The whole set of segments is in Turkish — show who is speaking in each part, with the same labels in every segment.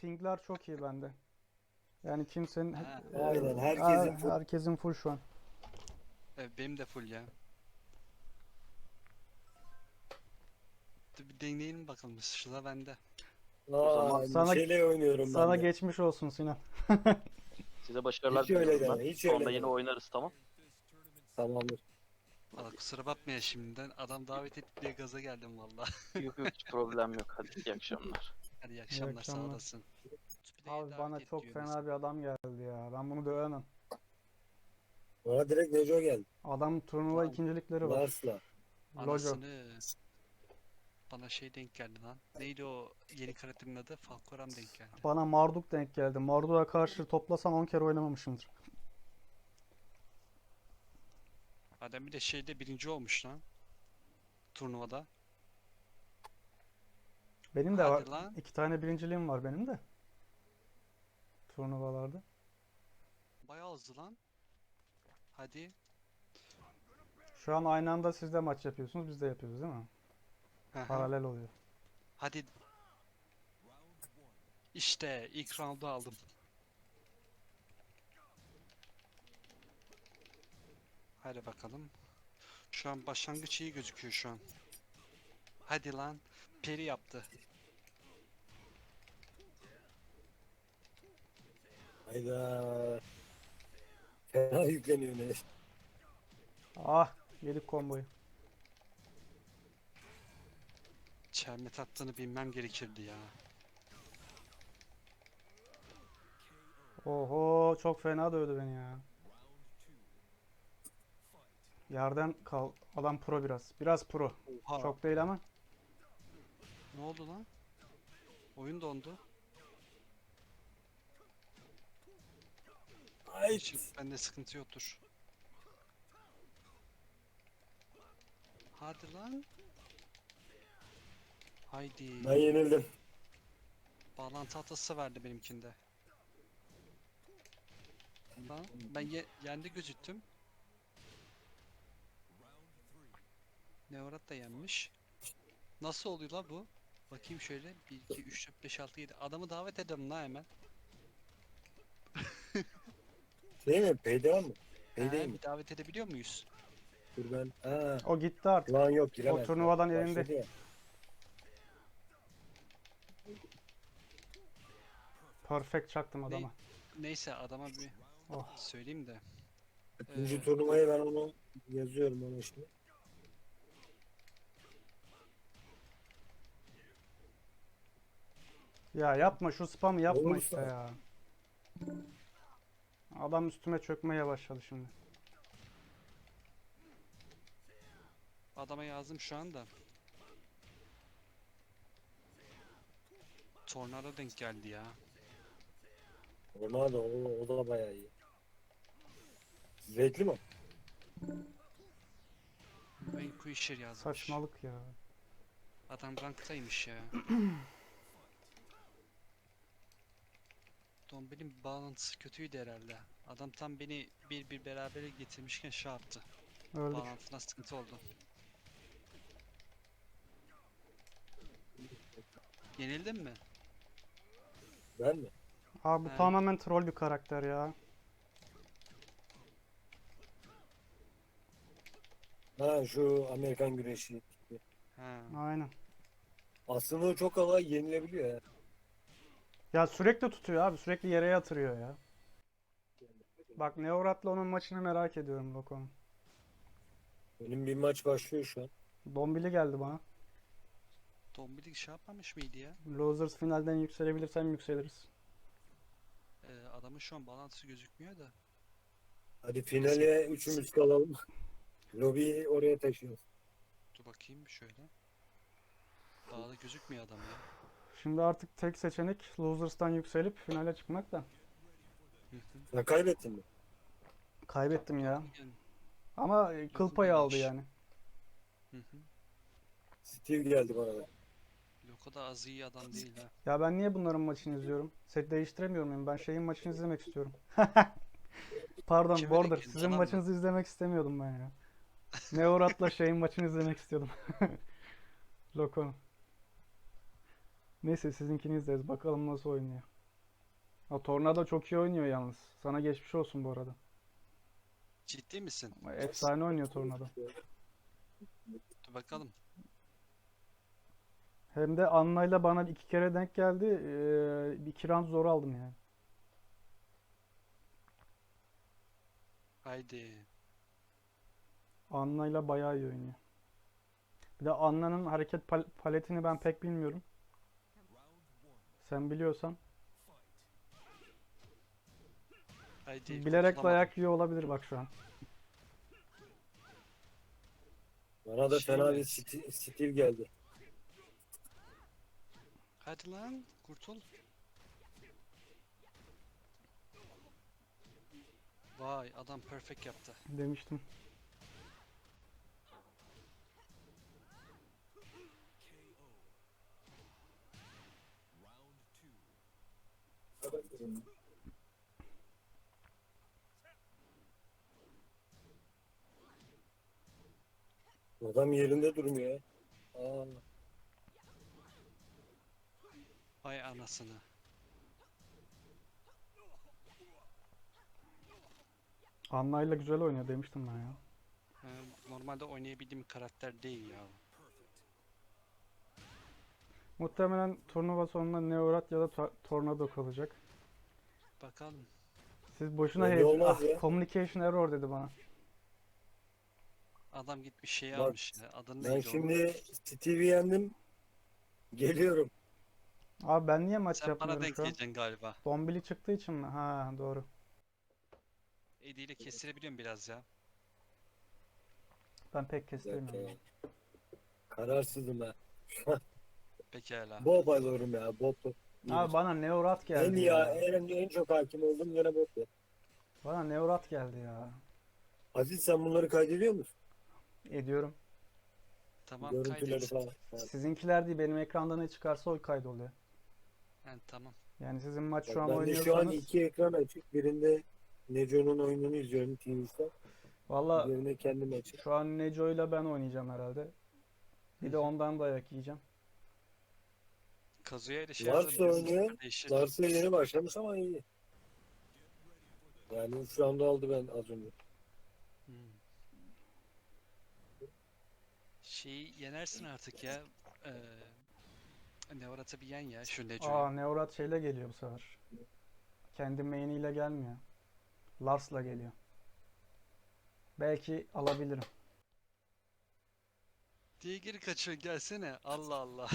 Speaker 1: pingler çok iyi bende. Yani kimsenin
Speaker 2: Ha,
Speaker 3: Aynen herkesin full.
Speaker 1: herkesin full şu an.
Speaker 2: benim de full ya. Dur bir deneyelim bakalım. Sıra bende.
Speaker 4: O zaman
Speaker 1: Sana
Speaker 3: Neşeyle oynuyorum ben
Speaker 1: sana
Speaker 3: de.
Speaker 1: geçmiş olsun Sinan.
Speaker 4: size başarılar
Speaker 3: Hiç öyle
Speaker 4: diliyorum ben.
Speaker 3: deme, hiç
Speaker 4: Sonra
Speaker 3: öyle
Speaker 4: yine
Speaker 3: deme.
Speaker 4: oynarız, tamam.
Speaker 3: Tamamdır.
Speaker 2: Valla kusura bakma ya şimdiden. Adam davet etti diye gaza geldim valla.
Speaker 4: Yok yok, hiç problem yok. Hadi iyi akşamlar.
Speaker 2: Hadi iyi
Speaker 1: İyi
Speaker 2: akşamlar, sağ
Speaker 1: akşamlar.
Speaker 2: olasın. Play'e
Speaker 1: Abi
Speaker 2: davet
Speaker 1: bana
Speaker 2: et
Speaker 1: çok
Speaker 2: diyor
Speaker 1: fena
Speaker 2: mesela.
Speaker 1: bir adam geldi ya. Ben bunu dövemem.
Speaker 3: Bana direkt Neco geldi.
Speaker 1: Adam turnuva
Speaker 2: Lan
Speaker 1: ikincilikleri var.
Speaker 3: Lars'la.
Speaker 1: Lojo.
Speaker 2: anasını bana şey denk geldi lan. Neydi o yeni karakterin adı? Falcoram denk geldi.
Speaker 1: Bana Marduk denk geldi. Marduk'a karşı toplasam 10 kere oynamamışımdır.
Speaker 2: Adam bir de şeyde birinci olmuş lan. Turnuvada.
Speaker 1: Benim de var.
Speaker 2: Hadi lan.
Speaker 1: 2 tane birinciliğim var benim de. Turnuvalarda.
Speaker 2: Bayağı hızlı lan. Hadi.
Speaker 1: Şu an aynı anda siz de maç yapıyorsunuz. Biz de yapıyoruz değil mi?
Speaker 2: Hı hı.
Speaker 1: Paralel oluyor.
Speaker 2: Hadi. İşte ilk roundu aldım. Hadi bakalım. Şu an başlangıç iyi gözüküyor şu an. Hadi lan. Peri yaptı.
Speaker 3: Hayda. Fena yükleniyor Neş.
Speaker 1: Ah, yedik komboyu.
Speaker 2: Çelme attığını bilmem gerekirdi ya.
Speaker 1: Oho, çok fena dövdü beni ya. Yerden kal. Adam pro biraz. Biraz pro.
Speaker 2: Oha.
Speaker 1: Çok değil ama.
Speaker 2: Ne oldu lan? Oyun dondu.
Speaker 3: Ay.
Speaker 2: Şimdi bende sıkıntı yoktur. Hadi lan. Haydi.
Speaker 3: Ben yenildim.
Speaker 2: Bağlantı hatası verdi benimkinde. Lan ben yendi gözüktüm. Neorat da yenmiş. Nasıl oluyor la bu? Bakayım şöyle. 1, 2, 3, 4, 5, 6, 7. Adamı davet edelim la hemen.
Speaker 3: Şey mi? Payday mı? Payday mi?
Speaker 2: Bir davet edebiliyor muyuz?
Speaker 3: Dur ben. Ha.
Speaker 1: O gitti artık.
Speaker 3: Ulan yok giremez.
Speaker 1: O turnuvadan
Speaker 3: Başladı
Speaker 1: elinde.
Speaker 3: ya.
Speaker 1: Perfect çaktım adama.
Speaker 2: Neyse adama bir
Speaker 1: Oh.
Speaker 2: söyleyeyim de.
Speaker 3: İkinci
Speaker 2: Ee,
Speaker 3: turnuvayı ben onu yazıyorum ona şimdi.
Speaker 1: Ya yapma şu spamı yapma
Speaker 3: Olursa.
Speaker 1: işte ya. Adam üstüme çökmeye başladı şimdi.
Speaker 2: Adama yazdım şu anda. Tornado denk geldi ya.
Speaker 3: Ona da o da bayağı iyi. Zevkli mi?
Speaker 2: Vanquisher yazmış.
Speaker 1: Saçmalık ya.
Speaker 2: Adam ranktaymış ya. Dombil'in bağlantısı kötüydü herhalde. Adam tam beni bir berabere getirmişken şey yaptı.
Speaker 1: Öldük.
Speaker 2: Bağlantına sıkıntı oldu. Yenildin mi?
Speaker 3: Ben mi?
Speaker 1: Abi bu
Speaker 2: He.
Speaker 1: tamamen troll bir karakter ya.
Speaker 3: Ha şu Amerikan güreşi.
Speaker 2: Ha.
Speaker 1: Aynen.
Speaker 3: Aslında o çok kolay yenilebiliyor ya.
Speaker 1: Ya sürekli tutuyor abi. Sürekli yere yatırıyor ya. Bak Neorat'la onun maçını merak ediyorum Loko'nun.
Speaker 3: Benim bir maç başlıyor şu an.
Speaker 1: Dombili geldi bana.
Speaker 2: Dombil şey yapmamış mıydı ya?
Speaker 1: Losers finalden yükselebilirsem yükseliriz.
Speaker 2: Adamın şu an bağlantısı gözükmüyor da.
Speaker 3: Hadi finale üçümüz kalalım. Lobiyi oraya taşıyoruz.
Speaker 2: Dur bakayım şöyle. Bağlı gözükmüyor adam ya.
Speaker 1: Şimdi artık tek seçenek Losers'tan yükselip finale çıkmak da.
Speaker 2: Hı hı.
Speaker 3: Sen kaybettin mi?
Speaker 1: Kaybettim ya.
Speaker 2: Yani,
Speaker 1: Ama kıl payı aldı
Speaker 2: iyiymiş.
Speaker 1: yani.
Speaker 2: hı hı.
Speaker 3: Steve geldi bana da.
Speaker 2: Yok o da az iyi adam değil ha.
Speaker 1: Ya ben niye bunların maçını izliyorum? Set değiştiremiyor muyum? Ben şeyin maçını izlemek istiyorum. Pardon,
Speaker 2: Kime
Speaker 1: Border.
Speaker 2: denk geldi,
Speaker 1: Sizin
Speaker 2: adam mı?
Speaker 1: maçınızı izlemek istemiyordum ben ya. Neorat'la şeyin maçını izlemek istiyordum. Loko'nun. Neyse sizinkini izleriz. Bakalım nasıl oynuyor. O Tornado çok iyi oynuyor yalnız. Sana geçmiş olsun bu arada.
Speaker 2: Ciddi misin?
Speaker 1: Efsane oynuyor Tornado.
Speaker 2: Dur bakalım.
Speaker 1: Hem de Anna'yla bana 2 kere denk geldi. 2 round zor aldım yani.
Speaker 2: Haydi.
Speaker 1: Anna'yla bayağı iyi oynuyor. Bir de Anna'nın hareket paletini ben pek bilmiyorum. Sen biliyorsan.
Speaker 2: Haydi.
Speaker 1: Bilerek
Speaker 2: kurtulamadım.
Speaker 1: dayak yiyor olabilir bak şu an.
Speaker 3: Bana da
Speaker 2: Şey
Speaker 3: fena
Speaker 2: mi?
Speaker 3: bir stil geldi.
Speaker 2: Hadi lan. Kurtul. Vay adam perfect yaptı.
Speaker 1: Demiştim.
Speaker 3: Adam yerinde durmuyor ya. Aa,
Speaker 2: Vay anasını.
Speaker 1: Anna'yla güzel oynuyor demiştim ben ya.
Speaker 2: Normalde oynayabildiğim bir karakter değil ya.
Speaker 1: Muhtemelen turnuva sonunda Neorat ya da Tornado kalacak.
Speaker 2: Bakalım.
Speaker 1: Siz boşuna
Speaker 3: belli olmaz
Speaker 1: Ah,
Speaker 3: ya.
Speaker 1: communication error dedi bana.
Speaker 2: Adam gitmiş şeyi
Speaker 3: Bak,
Speaker 2: almış ya. Adını
Speaker 3: ben
Speaker 2: neydi onun?
Speaker 3: şimdi Steve'i yendim. Geliyorum.
Speaker 1: Abi ben niye maç
Speaker 2: Sen bana
Speaker 1: yapmıyorum
Speaker 2: denk
Speaker 1: şu an?
Speaker 2: geleceksin galiba.
Speaker 1: Bombili çıktığı için mi? Ha doğru.
Speaker 2: Eddie ile kestirebiliyorum biraz ya.
Speaker 1: Ben pek
Speaker 3: Bir dakika
Speaker 1: kestiremiyorum.
Speaker 3: ya. Kararsızım ha.
Speaker 2: Pekala.
Speaker 3: Bob alıyorum ya. Bob.
Speaker 1: Abi bana Neorat
Speaker 3: En
Speaker 1: geldi
Speaker 3: iyi,
Speaker 1: ya.
Speaker 3: en çok hakim oldum yine Bob ya.
Speaker 1: Bana Neorat geldi ya.
Speaker 3: Aziz sen bunları kaydediyor musun?
Speaker 1: Ediyorum.
Speaker 2: Tamam
Speaker 3: Görüntüleri
Speaker 2: kaydet.
Speaker 3: falan. Ha.
Speaker 1: Sizinkiler değil benim ekranda ne çıkarsa o kaydoluyor.
Speaker 2: Yani tamam.
Speaker 1: Yani sizin maç
Speaker 3: Bak,
Speaker 1: şu an
Speaker 3: ben de şu an
Speaker 1: oynuyorsanız
Speaker 3: iki ekran açık. Birinde Neco'nun oyununu izliyorum TV'de.
Speaker 1: valla
Speaker 3: Birinde kendim açık.
Speaker 1: şu an Neco'yla ben oynayacağım herhalde. Bir de ondan dayak yiyeceğim.
Speaker 2: Kazuya ile şey
Speaker 3: Lars
Speaker 2: yazabiliriz.
Speaker 3: oynuyor.
Speaker 2: Değişir.
Speaker 3: Lars'a yeni başlamış ama iyi. Yani 3 round aldı ben az önce.
Speaker 2: Hmm. Şeyi yenersin artık ya. Neorat'ı bir yen ya şu Neco'yu.
Speaker 1: Neorat şeyle geliyor bu sefer. Kendi main'iyle gelmiyor. Lars'la geliyor. Belki alabilirim.
Speaker 2: Diye geri kaçıyor gelsene. Allah Allah.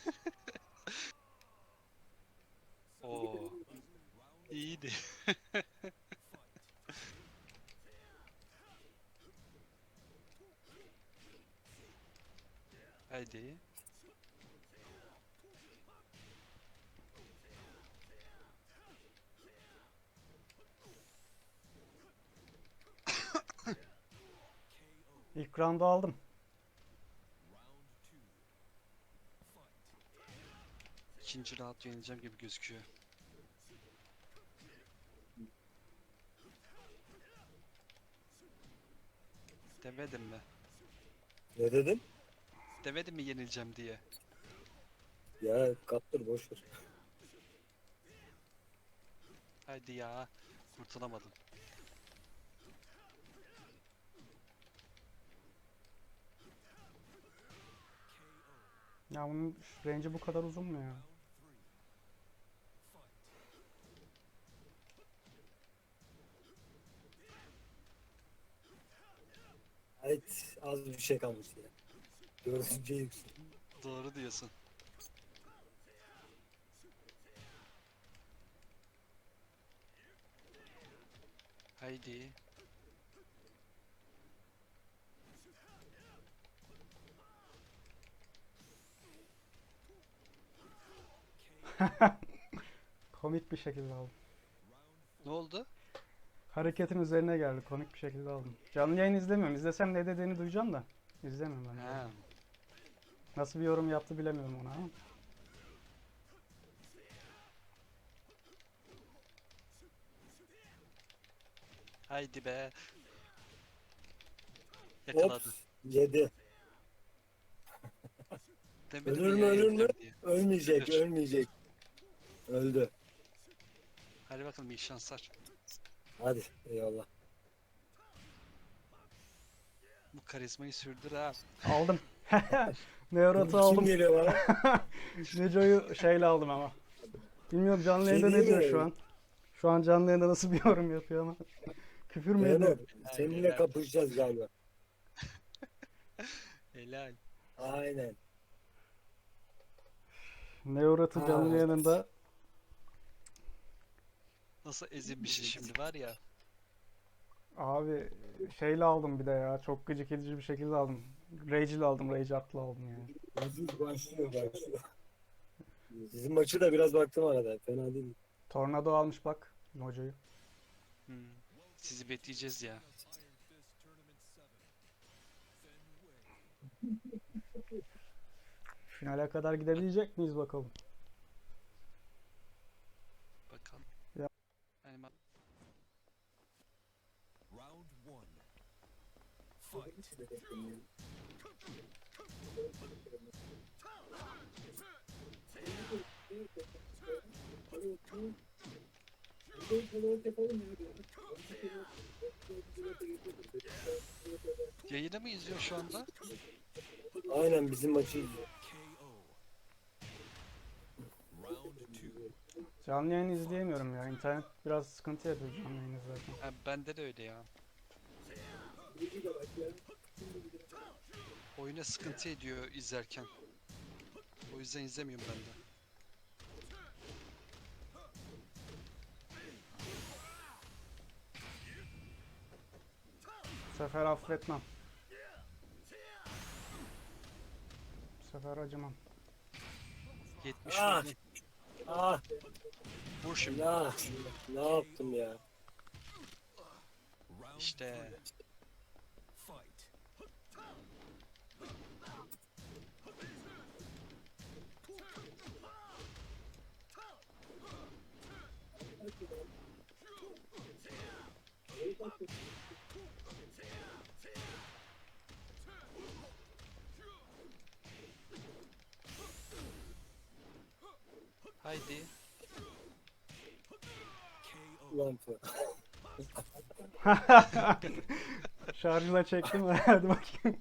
Speaker 2: Oo. İyiydi. Haydi.
Speaker 1: İlk round'u aldım.
Speaker 2: İkinci round yenileceğim gibi gözüküyor. Demedim mi?
Speaker 3: Ne dedim?
Speaker 2: Demedim mi yenileceğim diye.
Speaker 3: Ya kaptır boş ver.
Speaker 2: Haydi ya. Kurtulamadım.
Speaker 1: Ya bunun range'i bu kadar uzun mu ya?
Speaker 3: Evet az bir şey kalmış ya. Dördüncü yüksek.
Speaker 2: Doğru diyorsun. Haydi.
Speaker 1: Komik bir şekilde aldım.
Speaker 2: Ne oldu?
Speaker 1: Hareketin üzerine geldi. Komik bir şekilde aldım. Canlı yayın izlemiyorum. İzlesem ne dediğini duyacağım da. İzlemiyorum ben.
Speaker 2: Ha.
Speaker 1: Nasıl bir yorum yaptı bilemiyorum ona ama.
Speaker 2: Haydi be. Yakaladı.
Speaker 3: Ops yedi.
Speaker 2: Demedim
Speaker 3: Ölür
Speaker 2: mi
Speaker 3: mü
Speaker 2: ya
Speaker 3: ölür mü?
Speaker 2: yenileceğim diye.
Speaker 3: Ölmeyecek
Speaker 2: Ölür.
Speaker 3: ölmeyecek. Öldü.
Speaker 2: Hadi bakalım iyi şanslar.
Speaker 3: Hadi eyvallah.
Speaker 2: Bu karizmayı sürdür ha.
Speaker 1: Aldım. Neorat'ı
Speaker 3: Kim
Speaker 1: aldım.
Speaker 3: geliyor bana?
Speaker 1: Neco'yu şeyle aldım ama. Bilmiyorum canlı yayında
Speaker 3: Şey
Speaker 1: ne diyor
Speaker 3: değil
Speaker 1: şu
Speaker 3: mi?
Speaker 1: an. Şu an canlı yayında nasıl bir yorum yapıyor ama. Küfür mü
Speaker 3: Fenor,
Speaker 1: ediyor?
Speaker 3: seninle
Speaker 2: Helal.
Speaker 3: kapışacağız galiba.
Speaker 2: Helal.
Speaker 3: Aynen.
Speaker 1: Neorat'ı canlı
Speaker 3: Ha.
Speaker 1: yayında
Speaker 2: Nasıl ezilmişiz şimdi var ya.
Speaker 1: abi şeyle aldım bir de ya. Çok gıcık edici bir şekilde aldım. Rage'le aldım. Rage atlı aldım yani.
Speaker 3: Başlıyor. Sizin maçı da biraz baktım arada. Fena değil.
Speaker 1: Tornado almış bak Mojo'yu.
Speaker 2: Hmm. Sizi bekleyeceğiz ya.
Speaker 1: Finale kadar gidebilecek miyiz bakalım.
Speaker 2: Bakalım.
Speaker 1: Ya.
Speaker 2: Yani
Speaker 5: Round one. Fight.
Speaker 2: yayını mı izliyor şu anda?
Speaker 3: Aynen bizim maçı izliyor.
Speaker 5: KO. Round two.
Speaker 1: Canlı yayını izleyemiyorum ya. İnternet biraz sıkıntı yapıyor canlı yayını zaten.
Speaker 2: Ha, bende de öyle ya. Oyuna sıkıntı ediyor izlerken. O yüzden izlemiyorum ben de.
Speaker 1: Bu sefer affetmem. Bu sefer acımam.
Speaker 2: 70
Speaker 3: Ah!
Speaker 2: vurdun.
Speaker 3: Ah
Speaker 2: Vur şimdi.
Speaker 3: ya. Ne yaptım ya?
Speaker 5: Round
Speaker 2: İşte.
Speaker 5: three. Fight.
Speaker 2: Haydi.
Speaker 5: KO.
Speaker 3: Ulan Fe.
Speaker 1: Şarjla çektim. Hadi bakayım.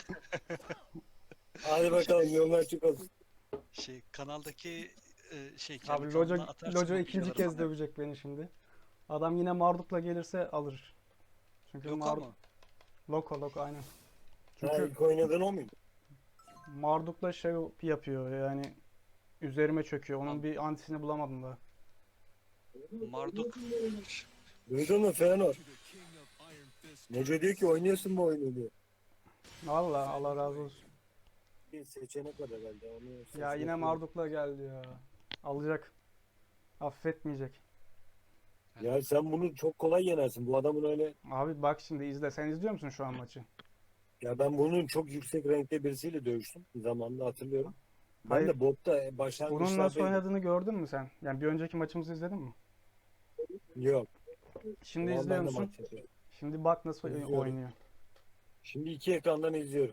Speaker 3: Hadi bakalım yollar açık olsun.
Speaker 2: Şey kanaldaki kendi
Speaker 1: Abi
Speaker 2: kanalına atarsın
Speaker 1: Lojo
Speaker 2: o
Speaker 1: ikinci
Speaker 2: videoları
Speaker 1: kez
Speaker 2: bana.
Speaker 1: dövecek beni şimdi. Adam yine Marduk'la gelirse alır. Çünkü
Speaker 2: Loka mı?
Speaker 1: Loko aynen.
Speaker 3: Ha,
Speaker 1: Çünkü
Speaker 3: ilk oynadığın o muydu?
Speaker 1: Marduk'la şey yapıyor yani üzerime çöküyor. Onun
Speaker 2: Al.
Speaker 1: bir antisini bulamadım da.
Speaker 2: Marduk.
Speaker 3: Duydun mu Fenor?
Speaker 5: To the king of Iron Fist.
Speaker 3: Neco diyor ki oynuyorsun mu oyunu diyor.
Speaker 1: Vallahi Allah razı olsun.
Speaker 3: Bir seçenek var herhalde. Onu
Speaker 1: Ya
Speaker 3: seçmek
Speaker 1: yine
Speaker 3: yok.
Speaker 1: Marduk'la geldi ya. Alacak. Affetmeyecek.
Speaker 3: Ya sen bunu çok kolay yenersin. Bu adamın öyle...
Speaker 1: Abi bak şimdi izle. Sen izliyor musun şu an maçı?
Speaker 3: Ya ben bunun çok yüksek renkte birisiyle dövüştüm. Zamanında hatırlıyorum. Ben
Speaker 1: Hayır.
Speaker 3: de botta
Speaker 1: Bunun nasıl
Speaker 3: başlangıçlardaydım.
Speaker 1: oynadığını gördün mü sen? Yani bir önceki maçımızı izledin mi?
Speaker 3: Yok.
Speaker 1: Şimdi
Speaker 3: Ulan
Speaker 1: izliyor
Speaker 3: ben de
Speaker 1: musun?
Speaker 3: maç yapıyorum.
Speaker 1: Şimdi bak nasıl
Speaker 3: İzliyorum.
Speaker 1: oynuyor.
Speaker 3: Şimdi iki ekrandan izliyorum.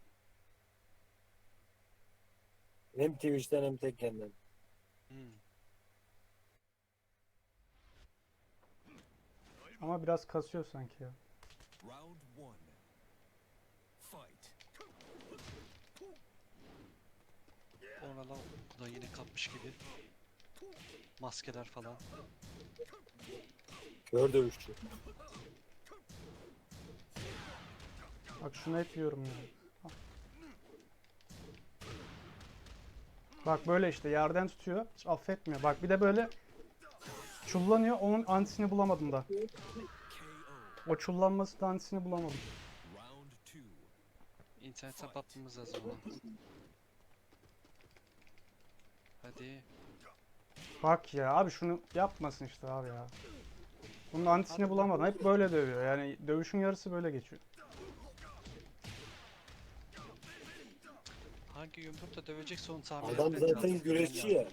Speaker 3: Hem Twitch'ten hem Tekken'den.
Speaker 2: Hmm.
Speaker 1: Ama biraz kasıyor sanki ya.
Speaker 5: Round one. Fight.
Speaker 2: Ona lan bu da yine kapmış gibi. Maskeler falan.
Speaker 3: Kör dövüşçü.
Speaker 1: Bak şunu hep yiyorum ya. Bak böyle işte yerden tutuyor. Hiç affetmiyor. Bak bir de böyle çullanıyor. Onun antisini bulamadım da.
Speaker 5: KO.
Speaker 1: O çullanması da antisini bulamadım.
Speaker 5: Round two.
Speaker 2: İnternetten bakmamız lazım ona. Hadi.
Speaker 1: Bak ya abi şunu yapmasın işte abi ya. Bunun antisini bulamadım. Hep böyle dövüyor. Yani dövüşün yarısı böyle geçiyor.
Speaker 2: Hangi yumrukla dövecekse onu tahmin
Speaker 3: Adam
Speaker 2: etmek
Speaker 3: zaten
Speaker 2: lazım.
Speaker 3: güreşçi ya.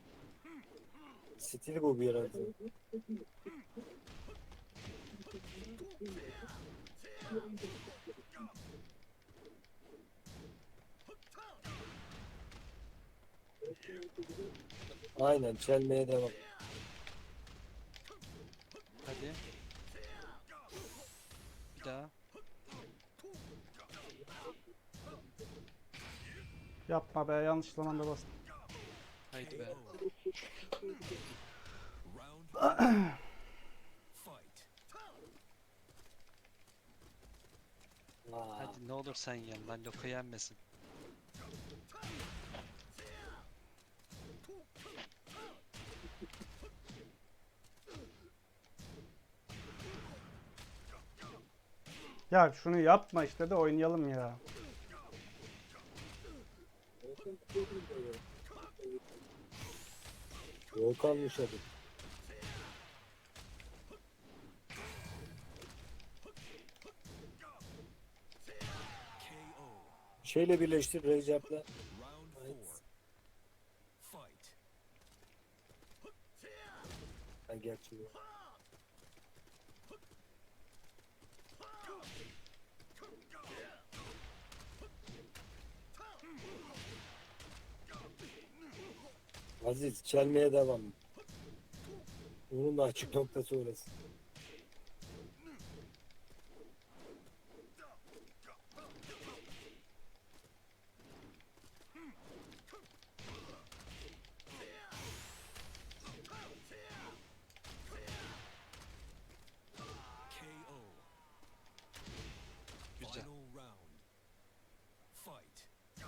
Speaker 3: Stili bu bir herhalde. Aynen çelmeye devam.
Speaker 2: Hadi. Bir daha.
Speaker 1: Yapma be, yanlış zamanda bastım.
Speaker 2: Haydi be.
Speaker 5: Round fight.
Speaker 3: Aa,
Speaker 2: Hadi ne olur sen yen lan, Loko yenmesin.
Speaker 1: Ya şunu yapma işte de oynayalım ya.
Speaker 3: yol kalmış hadi.
Speaker 5: KO.
Speaker 3: Şeyle birleştir Recep'le.
Speaker 5: Round 4. Fight.
Speaker 3: Ha, gerçi yok. Aziz çelmeye devam. Onun da açık noktası orası.
Speaker 5: KO.
Speaker 2: Güzel.
Speaker 5: Final round. Fight.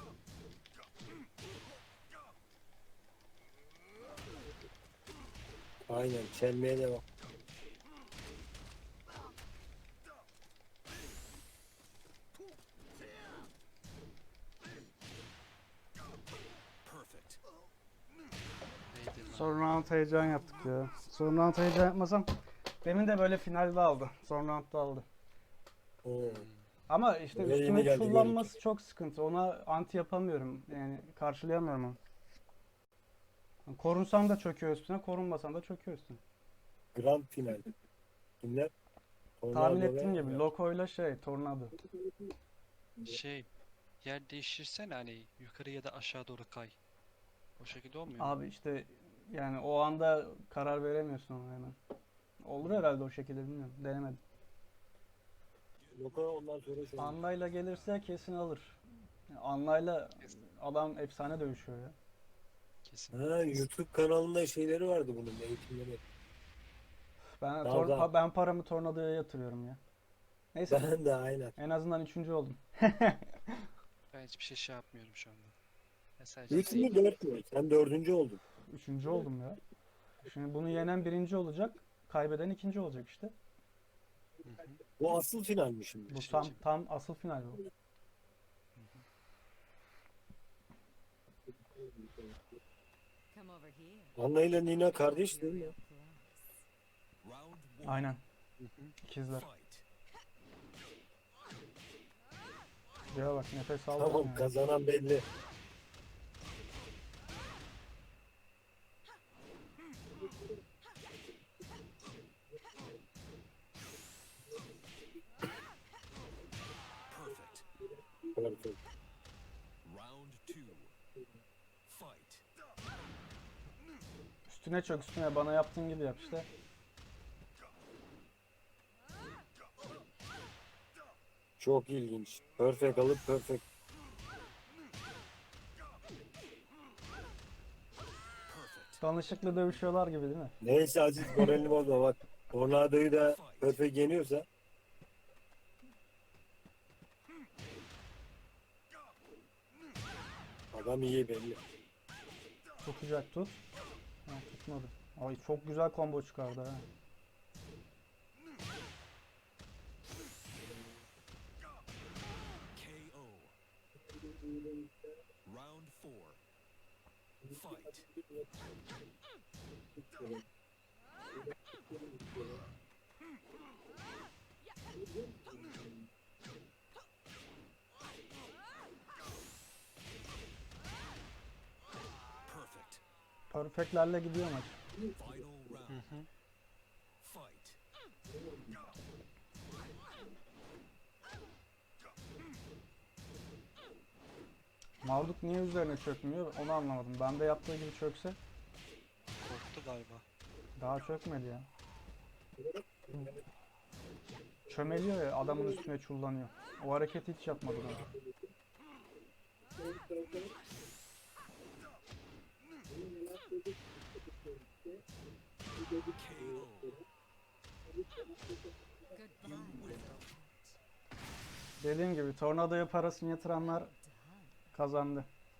Speaker 3: Aynen çelmeye devam.
Speaker 5: Perfect.
Speaker 2: Neydi lan?
Speaker 1: Son round heyecan yaptık ya. Son round heyecan yapmasam demin de böyle finalde aldı. Son roundda aldı.
Speaker 3: Oo.
Speaker 1: Ama işte
Speaker 3: Böyle yeni
Speaker 1: üstüme
Speaker 3: geldi
Speaker 1: kullanması çok sıkıntı. Ona anti yapamıyorum. Yani karşılayamıyorum onu. Korunsam da çöküyor üstüne, korunmasam da çöküyor üstüne.
Speaker 3: Grand final. Kimler?
Speaker 1: Tahmin
Speaker 3: Tornado
Speaker 1: ettiğim
Speaker 3: ve-
Speaker 1: gibi Loko'yla Tornado.
Speaker 2: Şey, yer değiştirsen hani yukarı ya da aşağı doğru kay. O şekilde olmuyor mu?
Speaker 1: Abi işte yani o anda karar veremiyorsun ona hemen. Olur herhalde o şekilde, bilmiyorum. Denemedim.
Speaker 3: Loka ondan sonra şey.
Speaker 1: Anlayla gelirse kesin alır. Yani Anlayla
Speaker 2: Kesin.
Speaker 1: adam efsane dövüşüyor ya.
Speaker 2: Kesin.
Speaker 3: Ha, YouTube kanalında şeyleri vardı bunun eğitimleri.
Speaker 1: Ben
Speaker 3: Tamam, tamam.
Speaker 1: ben paramı Tornado'ya yatırıyorum ya. Neyse
Speaker 3: Ben de aynen.
Speaker 1: en azından 3. oldum.
Speaker 2: Ben hiçbir şey yapmıyorum şu anda. Ben sadece
Speaker 3: 3 mü 4 mü? Sen 4. oldun.
Speaker 1: 3. oldum ya. Şimdi bunu yenen 1. olacak. Kaybeden 2. olacak işte.
Speaker 2: Hı hı.
Speaker 3: Bu asıl final mi şimdi?
Speaker 1: Bu tam asıl final bu.
Speaker 6: Come over here.
Speaker 3: Anna ile Nina kardeş değil mi?
Speaker 6: Real close.
Speaker 5: Round 1.
Speaker 1: Aynen.
Speaker 2: Hı hı.
Speaker 1: İkizler.
Speaker 5: Fight.
Speaker 1: Ya bak nefes aldım
Speaker 3: Tamam
Speaker 1: ya.
Speaker 3: kazanan belli.
Speaker 5: Perfect.
Speaker 3: Perfect.
Speaker 5: Round 2. Fight.
Speaker 1: Üstüne çök, üstüne bana yaptığın gibi yap işte.
Speaker 3: Çok ilginç. Perfect alıp perfect.
Speaker 5: Perfect.
Speaker 1: Danışıklı dövüşüyorlar gibi değil mi?
Speaker 3: Neyse Aziz moralini bozma bak. Tornado'yu da perfect yeniyorsa. Adam iyi belli.
Speaker 1: Tutacak tut. Ha, tutmadı. Ay çok güzel combo çıkardı ha.
Speaker 5: KO. Round 4. Fight. Perfect.
Speaker 1: Perfectlerle gidiyor maç.
Speaker 5: Final
Speaker 2: Hı
Speaker 5: round.
Speaker 2: hı.
Speaker 5: Fight.
Speaker 1: Marduk niye üzerine çökmüyor onu anlamadım. Ben de yaptığı gibi çökse
Speaker 2: Korktu galiba.
Speaker 1: daha çökmedi ya. Çömeliyor ya, adamın üstüne çullanıyor. O hareketi hiç yapmadı bana.
Speaker 5: KO.
Speaker 6: Goodbye, little pet.
Speaker 1: Dediğim gibi tornadoya parasını yatıranlar
Speaker 6: Done.
Speaker 1: kazandı.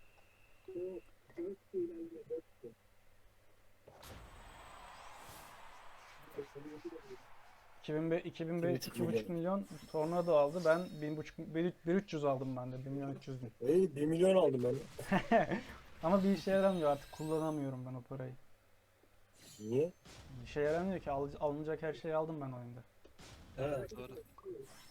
Speaker 1: 2005 2,5 milyon tornado aldı. Ben 1,300 aldım ben de. 1.300.000.
Speaker 3: Hey 1 milyon aldım ben.
Speaker 1: Ama bir işe yaramıyor artık. Kullanamıyorum ben o parayı.
Speaker 3: Niye?
Speaker 1: Bir işe yaramıyor ki. Alınacak her şeyi aldım ben oyunda.
Speaker 3: Ha,
Speaker 2: Doğru.